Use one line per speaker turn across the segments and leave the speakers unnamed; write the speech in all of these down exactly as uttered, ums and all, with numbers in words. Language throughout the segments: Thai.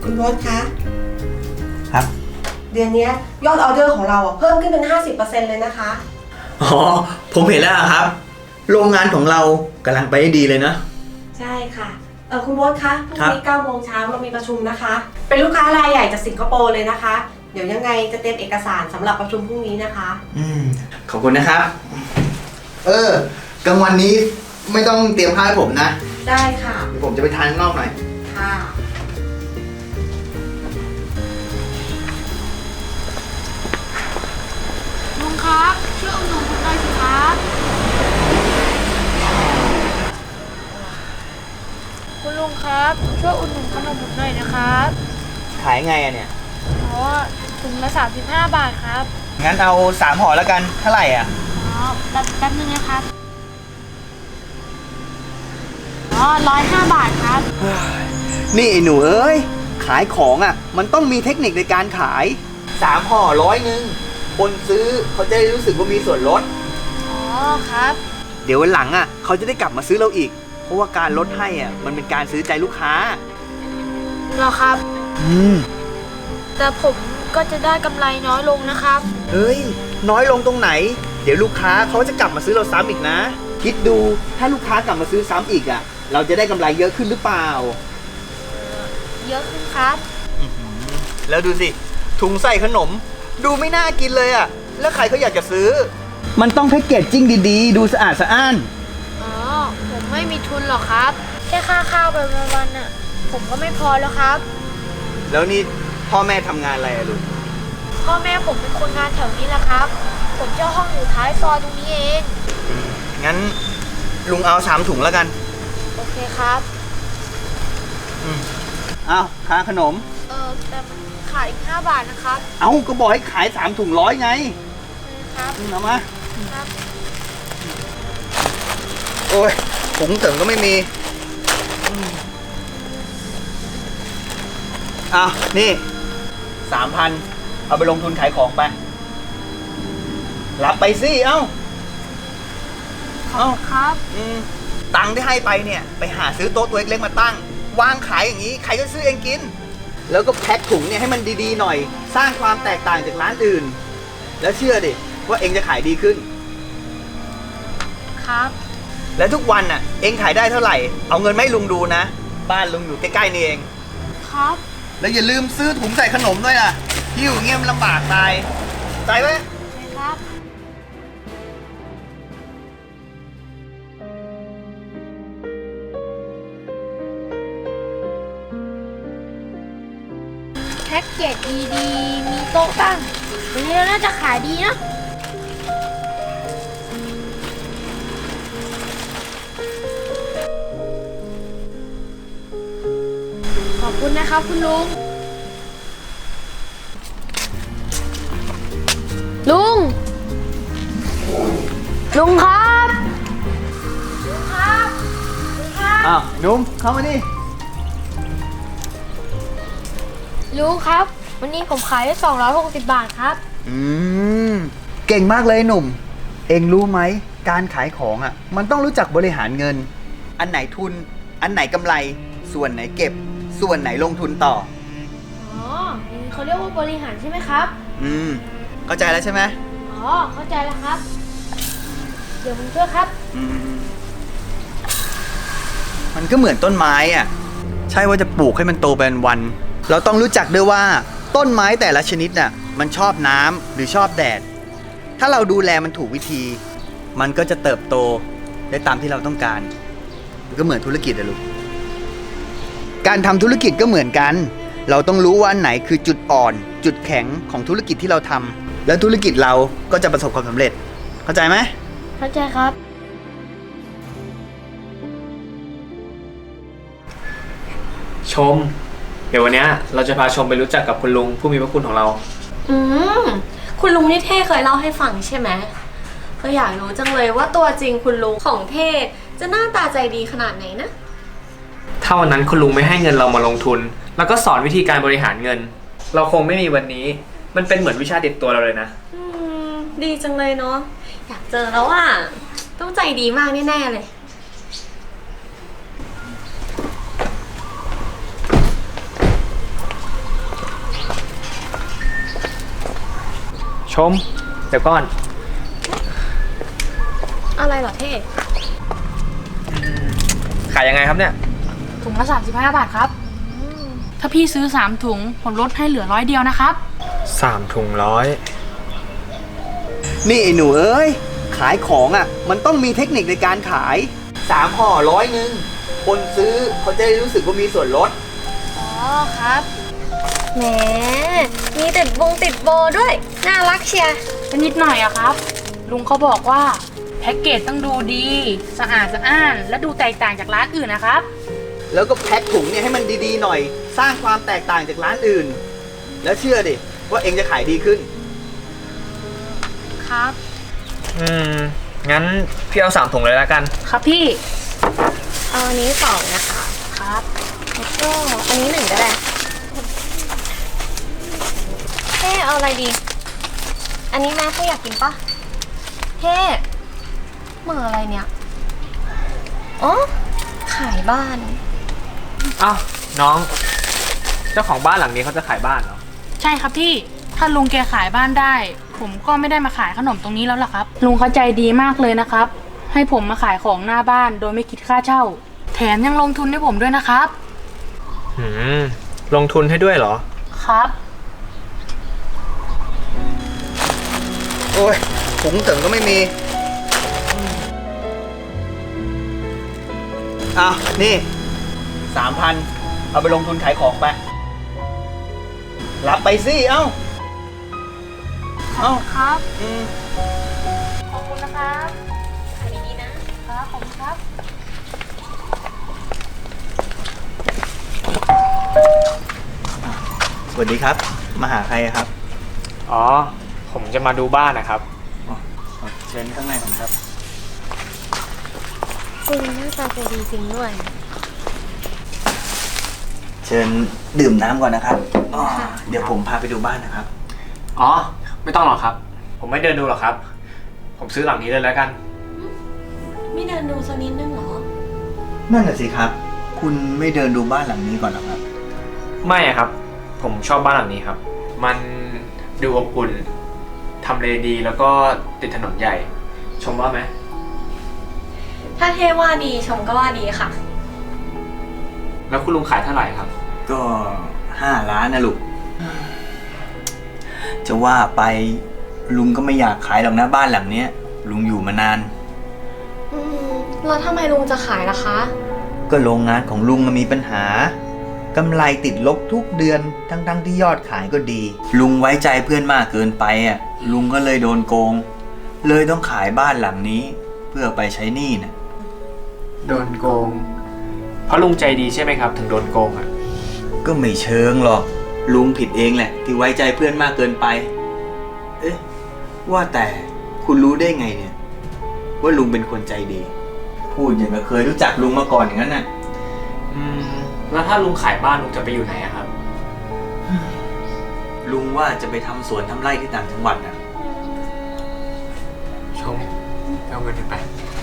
คุณโบ๊ทคะ
ครับ
เดือนนี้ยอดออเดอร์ของเราเพิ่มขึ้นเป็น ห้าสิบเปอร์เซ็นต์ เลยนะคะ
อ๋อผมเห็นแล้วครับโรงงานของเรากำลังไปได้ดีเลยนะ
ใช่ค่ะเออคุณโบ๊ทคะพรุ่งนี้เก้าโมงเช้าเรามีประชุมนะคะเป็นลูกค้ารายใหญ่จากสิงคโปร์เลยนะคะเดี๋ยวยังไงจะเตรียมเอกสารสำหรับประชุมพรุ่งนี้นะคะ
อืมขอบคุณนะครับเออกลางวันนี้ไม่ต้องเตรียมข้าวให้ผมนะ
ได้ค่ะ
เดี๋ยวผมจะไปทานข้างนอกหน่อย
ค่ะ
ลุงครับช่วยอุดหนุนผมหน่อยสิครับคุณลุงครับช่วยอุดหนุนขนมผมหน่อยนะครับ
ขายไงอะเนี่ย
อ๋อถุงละสามสิบห้าบาทครับ
งั้นเอาสามห่อแล้วกันเท่าไหร่อ่ะ
อ๋อแป๊บแป๊บนึงนะครับอ๋อร้อยห้าบาทครับ
นี่ไอ้หนูเอ้ยขายของอ่ะมันต้องมีเทคนิคในการขายสามห่อร้อยหนึ่งคนซื้อเขาจะได้รู้สึกว่ามีส่วนลด
อ๋อครับ
เดี๋ยววันหลังอ่ะเขาจะได้กลับมาซื้อเราอีกเพราะว่าการลดให้อ่ะมันเป็นการซื้อใจลูกค้า
เหรอครับ
อืม
แต่ผมก็จะได้กำไรน้อยลงนะครับ
เฮ้ยน้อยลงตรงไหนเดี๋ยวลูกค้าเขาจะกลับมาซื้อเราซ้ำอีกนะคิดดูถ้าลูกค้ากลับมาซื้อซ้ำอีกอ่ะเราจะได้กำไรเยอะขึ้นหรือเปล่า
เยอะขึ้นครับ
แล้วดูสิถุงใส่ขนมดูไม่น่ากินเลยอ่ะแล้วใครเขาอยากจะซื้อมันต้องแพ็กเกจจิ้งดีๆดูสะอาดสะอ้าน
อ๋อผมไม่มีทุนหรอกครับแค่ค่าข้าวไปวันๆน่ะผมก็ไม่พอแล้วครับ
แล้วนี่พ่อแม่ทำงานอะไรอะลูก
พ่อแม่ผมเป็นคนงานแถวนี้แหละครับผมเช่าห้องอยู่ท้ายซอยตรงนี้เอง
งั้นลุงเอาสามถุงแล้วกัน
โอเคครับ
อืมเอาค่าขนม
เออแต่มันขายอีกห้าบาทนะครับ
เอาก็บอกให้ขายสามถุงร้อยไง
ครับ
เอามาครับโอ้ยถุงเติมก็ไม่มีอ้าวนี่สามพันเอาไปลงทุนขายของไปรับไปสิเอ้า
เอ้าครับ
อืมตังค์ที่ให้ไปเนี่ยไปหาซื้อโต๊ะตัวเล็กๆมาตั้งวางขายอย่างนี้ใครก็ซื้อเองกินแล้วก็แพ็คถุงเนี่ยให้มันดีๆหน่อยสร้างความแตกต่างจากร้านอื่นแล้วเชื่อดิว่าเองจะขายดีขึ้น
ครับ
และทุกวันน่ะเองขายได้เท่าไหร่เอาเงินไม่ลุงดูนะบ้านลุงอยู่ใกล้ๆนี่เอง
ครับ
แล้วอย่าลืมซื้อถุงใส่ขนมด้วยนะหิ้วเงี้ยมันลำบากตายตายไหม
ครับแพ็กเกจดีๆมีโต๊ะตั้งวันนี้น่าจะขายดีนะขอบคุณนะครับคุณลุงลุงลุงครับลุงครับลุงครับ
อ้าวนุ่มเข้ามาดิ
ลุงครับวันนี้ผมขายได้สองร้อยหกสิบบาทครับ
อืมเก่งมากเลยหนุ่มเอ็งรู้ไหมการขายของอ่ะมันต้องรู้จักบริหารเงินอันไหนทุนอันไหนกำไรส่วนไหนเก็บส่วนไหนลงทุนต่อ
อ๋อเขาเรียกว่าบริหารใช่ไหมครับ
อืมเข้าใจแล้วใช่ไหม
อ๋อเข้าใจแล้วครับเดี๋ยวผมช่วยครับ
อืมมันก็เหมือนต้นไม้อ่ะใช่ว่าจะปลูกให้มันโตเป็นวันเราต้องรู้จักด้วยว่าต้นไม้แต่ละชนิดน่ะมันชอบน้ำหรือชอบแดดถ้าเราดูแลมันถูกวิธีมันก็จะเติบโตได้ตามที่เราต้องการมันก็เหมือนธุรกิจอะลูกการทำธุรกิจก็เหมือนกันเราต้องรู้ว่าอันไหนคือจุดอ่อนจุดแข็งของธุรกิจที่เราทำแล้วธุรกิจเราก็จะประสบความสำเร็จเข้าใจไหม
เข้าใจครับ
ชมเดี๋ยววันนี้เราจะพาชมไปรู้จักกับคุณลุงผู้มีพระคุณของเรา
อืมคุณลุงนี่เท่เคยเล่าให้ฟังใช่ไหมก็อยากรู้จังเลยว่าตัวจริงคุณลุงของเท่จะหน้าตาใจดีขนาดไหนนะ
ถ้าวันนั้นคุณลุงไม่ให้เงินเรามาลงทุนแล้วก็สอนวิธีการบริหารเงินเราคงไม่มีวันนี้มันเป็นเหมือนวิชาติดตัวเราเลยนะ
อืมดีจังเลยเนาะอยากเจอแล้วอ่ะต้องใจดีมากแน่ๆเลย
ช
ชม เดี๋ยวก่อน
อะไรเหรอเท่
ขายยังไงครับเนี่ย
ถุงละสามสิบห้าบาทครับ ถ้าพี่ซื้อสามถุงผมลดให้เหลือร้อยเดียวนะครับ
สามถุงร้อย
นี่ไอ้หนูเอ้ย ขายของอ่ะ มันต้องมีเทคนิคในการขายสามห่อร้อยหนึ่งคนซื้อเขาจะได้รู้สึกว่ามีส่วนลด
อ๋อครับแหมมีติดวงติดโบด้วยน่ารักเชียร์
ก็นิดหน่อยอะครับ ลุงเขาบอกว่าแพ็กเกจต้องดูดี สะอาดสะอ้าน และดูแตกต่างจากร้านอื่นนะครับ
แล้วก็แพ็คถุงเนี่ยให้มันดีๆหน่อย สร้างความแตกต่างจากร้านอื่น แล้วเชื่อดิว่าเองจะขายดีขึ้น
ครับ
อืม งั้นพี่เอาสามถุงเลยแล้วกัน
ครับพี่
เอาอันนี้สองนะคะ
ครับ
แล้วก็อันนี้หนึ่งก็ได้เท่เอาอะไรดี อันนี้แม่เท่อยากกินปะเท่เหมืออะไรเนี่ยอ๋อขายบ้าน
อ้าว น้อง เจ้าของบ้านหลังนี้เขาจะขายบ้านเหรอ
ใช่ครับพี่ ถ้าลุงแกขายบ้านได้ ผมก็ไม่ได้มาขายขนมตรงนี้แล้วล่ะครับ ลุงเขาใจดีมากเลยนะครับ ให้ผมมาขายของหน้าบ้านโดยไม่คิดค่าเช่า แถมยังลงทุนให้ผมด้วยนะครับ
หืม ลงทุนให้ด้วยเหรอ
ครับ
โอ้ยถุงเติมก็ไม่มีอ้าวนี่สามพันเอาไปลงทุนขายของไป รับไปสิ เอ้า เอ้า
ครับ
อืม
ขอบคุณนะครับ
ขายดีๆนะ
ครับ ขอบคุณครับ
สวัสดีครับ มาหาใครครับ
อ๋อ ผมจะมาดูบ้านนะครับ
เชิญข้างในผมครับ
คุณหน้าตาใจดีจริงด้วย
เชิญดื่มน้ำก่อนนะครับอ๋อเดี๋ยวผมพาไปดูบ้านนะครับ
อ๋อ ไม่ต้องหรอกครับ ผมไม่เดินดูหรอกครับ ผมซื้อหลังนี้เลยแล้วกัน
ไม่เดินดูสักนิดนึงเหรอ
นั่นน่ะสิครับ คุณไม่เดินดูบ้านหลังนี้ก่อนหรอครับ
ไม่อะครับ ผมชอบบ้านหลังนี้ครับ มันดูอบอุ่นทำเลดีแล้วก็ติดถนนใหญ่ ชมว่าไหม
ถ้าเทว่าดีชมก็ว่าดีค่ะ
แล้วคุณลุงขายเท่าไหร่ครับ
ก็ห้าล้านนะลูก จะว่าไปลุงก็ไม่อยากขายหรอกนะบ้านหลังเนี้ย ลุงอยู่มานาน
อืมแล้วทำไมลุงจะขายล่ะคะ
ก็โรงงานของลุงมันมีปัญหากำไรติดลบทุกเดือนทั้งๆที่ยอดขายก็ดี ลุงไว้ใจเพื่อนมากเกินไปอ่ะลุงก็เลยโดนโกง เลยต้องขายบ้านหลังนี้ เพื่อไปใช้หนี้นะ
โดนโกง เพราะลุงใจดีใช่ไหมครับ ถึงโดนโกงอ่ะ
ก็ไม่เชิงหรอก ลุงผิดเองแหละ ที่ไว้ใจเพื่อนมากเกินไป เอ๊ะว่าแต่คุณรู้ได้ไงเนี่ย ว่าลุงเป็นคนใจดี พูดอย่างกับเคยรู้จักลุงมาก่อนอย่างนั้นน่ะ
อืม แล้วถ้าลุงขายบ้านลุงจะไปอยู่ไหนอะครับ
ลุงว่าจะไปทำสวนทำไร่ที่ต่างจังหวัดน่ะ
ชมเอาเงินไป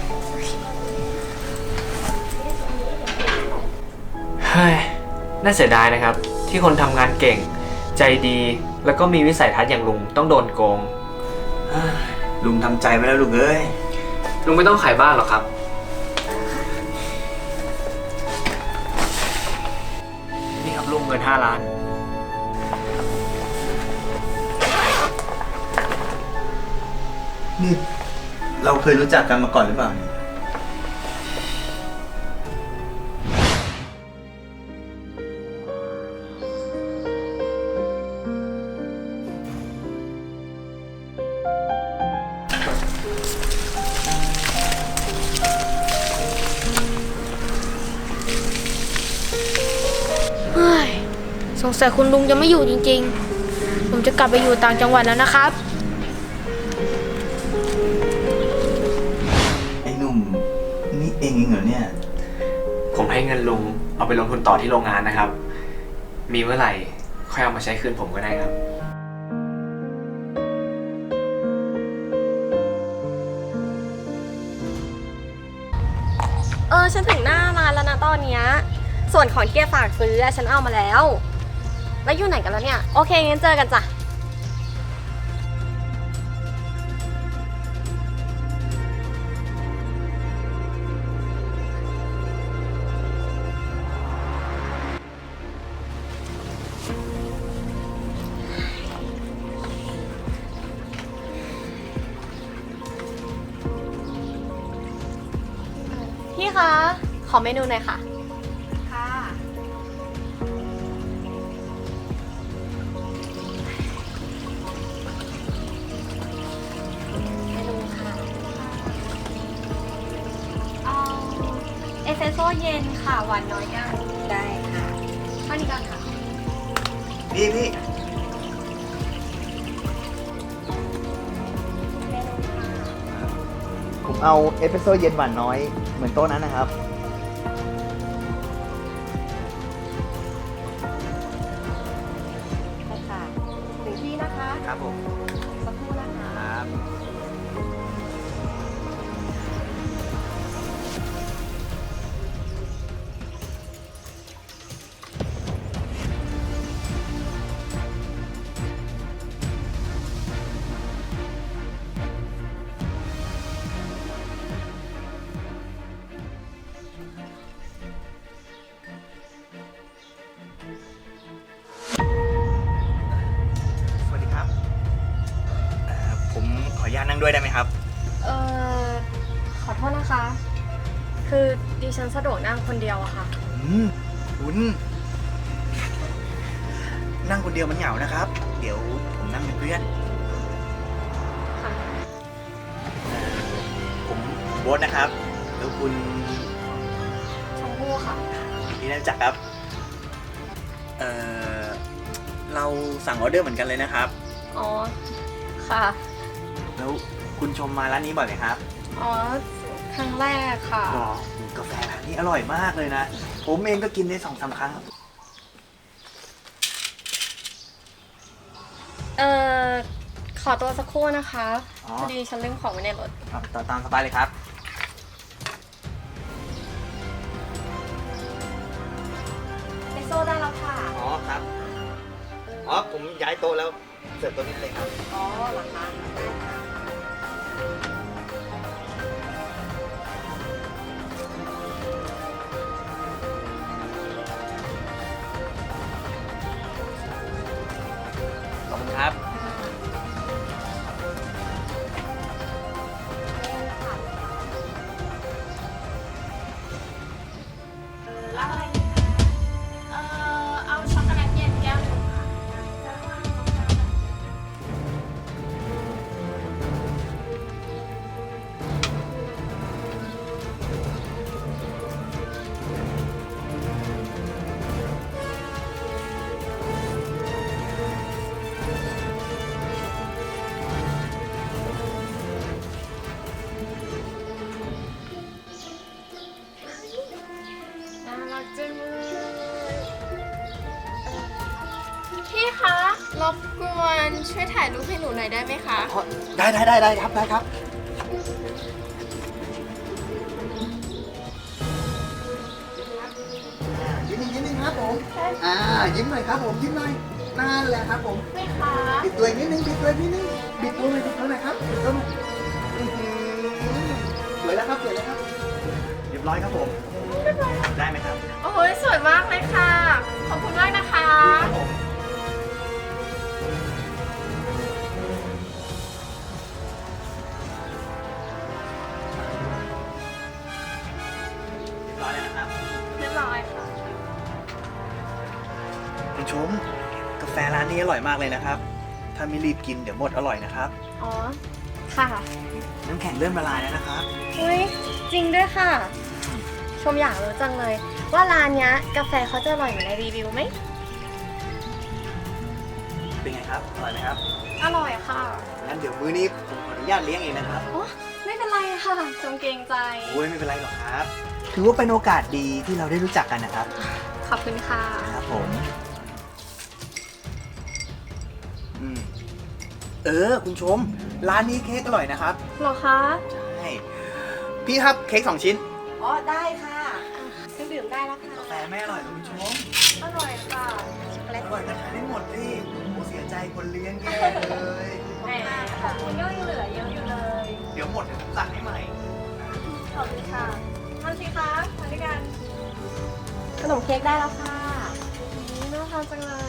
เฮ้ย น่าเสียดายนะครับ ที่คนทำงานเก่ง ใจดี แล้วก็มีวิสัยทัศน์อย่างลุงต้องโดนโกง
ลุงทำใจไว้แล้วลูกเอ้ย
ลุงไม่ต้องขายบ้านหรอกครับ นี่ครับลุงเงินห้าล้าน
นี่เราเคยรู้จักกันมาก่อนหรือเปล่าเนี่ย
เฮ้ย สงสัยคุณลุงจะไม่อยู่จริงๆ ผมจะกลับไปอยู่ต่างจังหวัดแล้วนะครับ
ไอ้หนุ่มนี่เองเองเหรอเนี่ย
ผมให้เงินลุงเอาไปลงทุนต่อที่โรงงานนะครับ มีเมื่อไหร่ค่อยเอามาใช้คืนผมก็ได้ครับ
เออฉันถึงหน้าร้านแล้วนะตอนเนี้ยส่วนของที่แกฝากซื้ออะฉันเอามาแล้ว แล้วอยู่ไหนกันแล้วเนี่ย โอเคงั้นเจอกันจ้ะคะ ขอเมนูหน่อยค่ะ
ค่ะ
เมนูค่ะ เอาเอสเปรสโซ่เย็นค่ะ หวานน้อยยัง
ได้ค่ะ
เท่านี้ก่อนค่ะ
พี่พี่
เมนูค่ะ
ผมเอาเอสเปรสโซ่เย็นหวานน้อยเหมือนโต๊ะนั้นนะครับ
ได้ค่ะหนึ่งที่นะคะ
ครับผม
สักครู่นะคะ
ครับสวัสดีครับเอ่อผมขออนุญาตนั่งด้วยได้ไหมครับ
เอ่อ ขอโทษนะคะ คือดิฉันสะดวกนั่งคนเดียวอะค่ะ
อืมคุณ นั่งคนเดียวมันเหงานะครับ เดี๋ยวผมนั่งเป็นเพื่อน
ค่ะ
เอ่อผมโบ๊ทนะครับ แล้วคุณ
ชมพู่ค่ะ
ที่ได้รู้จักครับ เอ่อ เราสั่งออเดอร์เหมือนกันเลยนะครับ
อ๋อ ค่ะ
แล้วคุณชมมาร้านนี้บ่อยไหมครับ
อ๋อ ครั้งแรกค่ะ
อ๋อกาแฟร้านนี้อร่อยมากเลยนะ ผมเองก็กินได้สองสามครั้ง
เอ่อ ขอตัวสักครู่นะคะ
อ๋อ
พอดีฉันลืมของไว้ในรถ
ครับต่อตามสบายเลยครับ
เอสโซ่ได้แล้วค่ะ
อ๋อครับ อ๋อผมย้ายโต๊ะแล้วเสิร์ฟโต๊ะนี้เลยครับ
อ๋อเหรอคะได้ค่ะ
ขอบคุณครับ
รับอะไรดีคะ
เอ่อ เอาช็อกโกแลตเย็นแก้วหนึ่งค่ะ
น่ารักจังเลยพี่คะ รบกวนช่วยถ่ายรูปให้หนูหน่อยได้ไหมคะ
ได้ได้ได้ได้ครับได้ครับ ยิ้มยิ้มนิดนึงครับผม อ่า ยิ้มหน่อยครับผม ยิ้มหน่อยนั่นแหละครับผม
ไม่คะ
ปิดตัวอีกนิดนึงปิดตัวอีกนิดนึงปิดตัวหน่อยปิดตัวหน่อยครับปิดตัวหน่อยอื้อหือสวยแล้วครับสวยแล้วครับ เรียบร้อยครับผม ได้ไหมครับ
โอ้ยสวยมากเลยค่ะ ขอบคุณมากนะคะ
ครับผมเรียบร้อยแล้วนะครับ
เรียบร้อยค่ะ
คุณชม กาแฟร้านนี้อร่อยมากเลยนะครับ ถ้าไม่รีบกินเดี๋ยวหมดอร่อยนะครับ
อ๋อ ค่ะ
น้ำแข็งเริ่มละลายแล้วนะครับ
อุ้ยจริงด้วยค่ะ ชมอยากรู้จังเลย ว่าร้านเนี้ยกาแฟเขาจะอร่อยเหมือนในรีวิวไหม
เป็นไงครับ อร่อยไหมครับ
อร่อยค่ะ
งั้นเดี๋ยวมื้อนี้ผมขออนุญาตเลี้ยงเองนะครับ
โอ้ไม่เป็นไรค่ะชมเกรงใจ
โอ้ยไม่เป็นไรหรอกครับ ถือว่าเป็นโอกาสดีที่เราได้รู้จักกันนะครับ
ขอบคุณค่ะ
ครับผม อืม เออ คุณชม ร้านนี้เค้กอร่อยนะครับ
เหรอคะ
ใช่ พี่ครับเค้กสองชิ้น
อ๋อได้ค่ะเครื่องดื่มได้แล้วค่ะ
กาแฟไม่อร่อยเหรอคุณชม
อร่อยค่ะ
ช็อกโกแล
อ
ต
ร่อยก็ทานได้หมดสิโอ้เสียใจคนเลี้ยงแย่เลย
แหมของคุณก็ยังเหลือเยอะอยู่เลย
เดี๋ยวหมดเดี๋ยวผมสั่งให้ใหม่
ขอบคุณค่ะทานสิคะทานด้วยกัน
ขนมเค้กได้แล้วค่ะ
อืมน่าทานจังเลย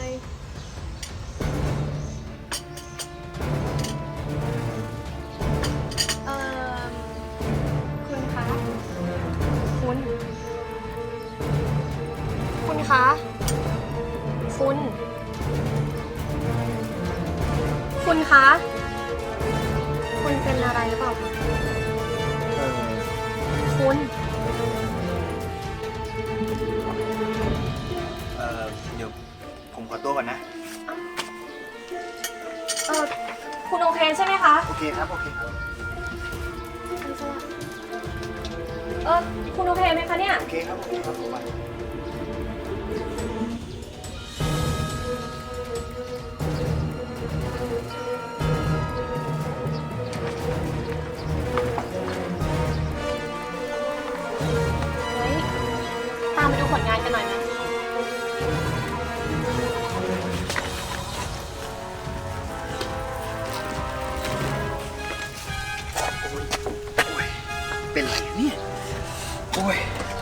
เอ่อ คุณคะ คุณคุณ คุณคะ คุณเป็นอะไรหรือเปล่า
เออ
คุณ
เออเดี๋ยวผมขอตัวก่อนนะ
เออคุณโอเคใช่ไหมคะ
โอเคครับ โอเคครับ
เออคุณโอเคไหมคะเนี่ย
โอเคครับ โอเคครับผมไป
เฮ้ย ตามไปดูผลงานกันหน่อยไหม
เป็นไรเนี่ย โอ้ย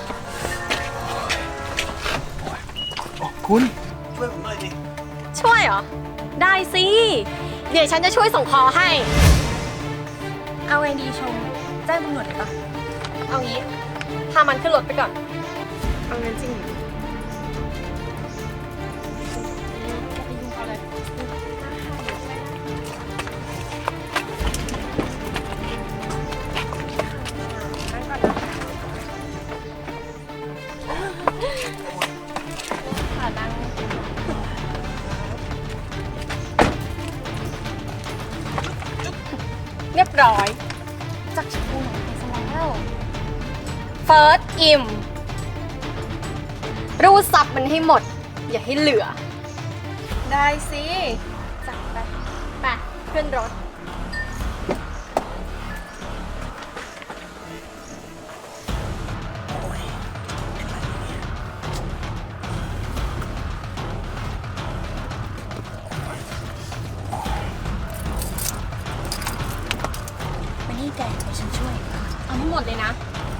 โอ้ยโอ้คุณ ช่วยผมหน่อยสิ
ช่วยเหรอ ได้สิ เดี๋ยวฉันจะช่วยส่งคอให้ เอาไงดีชม แจ้งตำรวจเลยปะเอางี้ พามันขึ้นรถไปก่อน เอางั้นจริงเหรอ เรียบร้อย จากชมพูหน่อยไปซะแล้วเฟิร์สอิมรูดซับมันให้หมด อย่าให้เหลือ ได้สิจัดไป ไป ขึ้นรถ มานี่แกเดี๋ยวฉันช่วย เอาทั้งหมดเลยนะ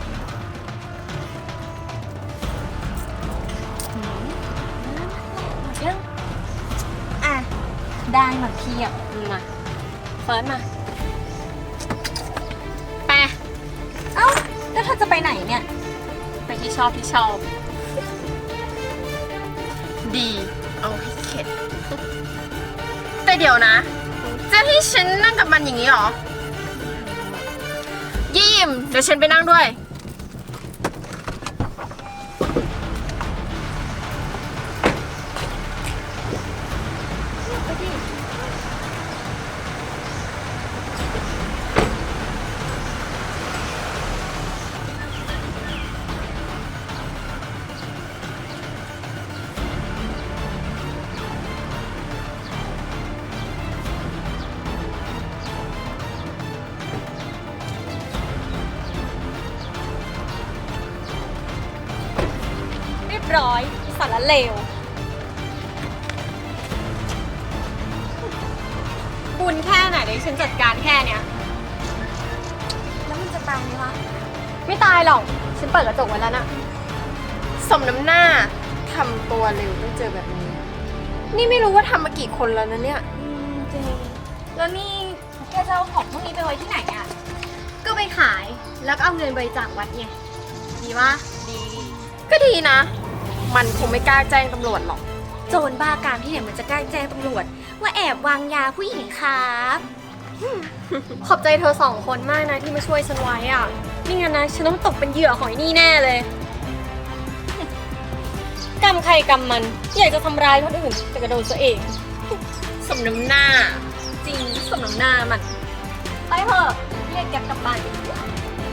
หืมหมดยังอ่ะ ได้มาเพียบมาเฟิร์สมา ไป เอ้า แล้วเธอจะไปไหนเนี่ย ไปที่ชอบที่ชอบ ดี เอาให้เข็ด แต่เดี๋ยวนะ จะให้ฉันนั่งกับมันอย่างนี้เหรอ ยิมเดี๋ยวฉันไปนั่งด้วย เรียบร้อยสารเลว บุญแค่ไหนเดี๋ยวฉันจัดการแค่เนี้ย แล้วมันจะตายไหมวะ ไม่ตายหรอก ฉันเปิดกระจกไว้แล้วนะสมน้ำหน้าทำตัวเร็วต้องเจอแบบนี้ นี่ไม่รู้ว่าทำมากี่คนแล้วนะเนี่ยจริง แล้วนี่แกจะเอาของพวกนี้ไปไว้ที่ไหนอ่ะ ก็ไปขายแล้วก็เอาเงินบริจาควัดไง ดีวะดี ก็ดีนะ มันคงไม่กล้าแจ้งตำรวจหรอก โจรบ้าการที่ไหนมันจะกล้าแจ้งตำรวจ ว่าแอบวางยาผู้หญิงครับ ขอบใจเธอสองคนมากนะที่มาช่วยฉันไว้อ่ะนี่งั้นนะฉันต้องตกเป็นเหยื่อของไอ้นี่แน่เลย กรรมใครกรรมมัน อยากจะทำร้ายคนอื่นแต่กระโดดตัวเอง สมน้ำหน้า จริงสมน้ำหน้ามัน ไปเถอะเรียกแก๊ปกลับบ้านกันดีกว่า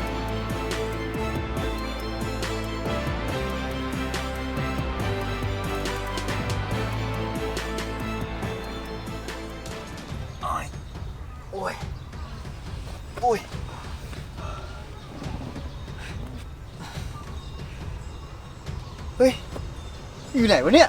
โอ้ย โอ้ย โอ้ย เฮ้ย อยู่ไหนวะเนี่ย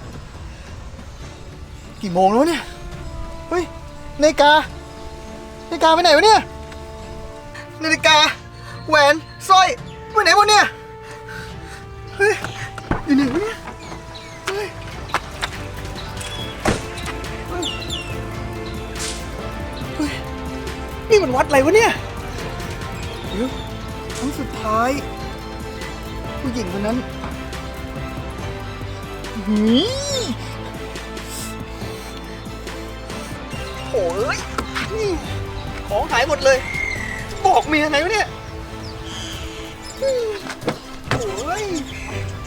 กี่โมงแล้ววะเนี่ย เฮ้ย นาฬิกา นาฬิกาไปไหนวะเนี่ย นาฬิกา แหวน สร้อย ไปไหนหมดเนี่ย เฮ้ย อยู่ไหนวะเนี่ย เฮ้ย เฮ้ย เฮ้ย นี่มันวัดอะไรวะเนี่ย เดี๋ยวครั้งสุดท้าย ผู้หญิงคนนั้นหืยโอ้ยนี่ของหายหมดเลย บอกเมียไงวะเนี่ยโอ้ย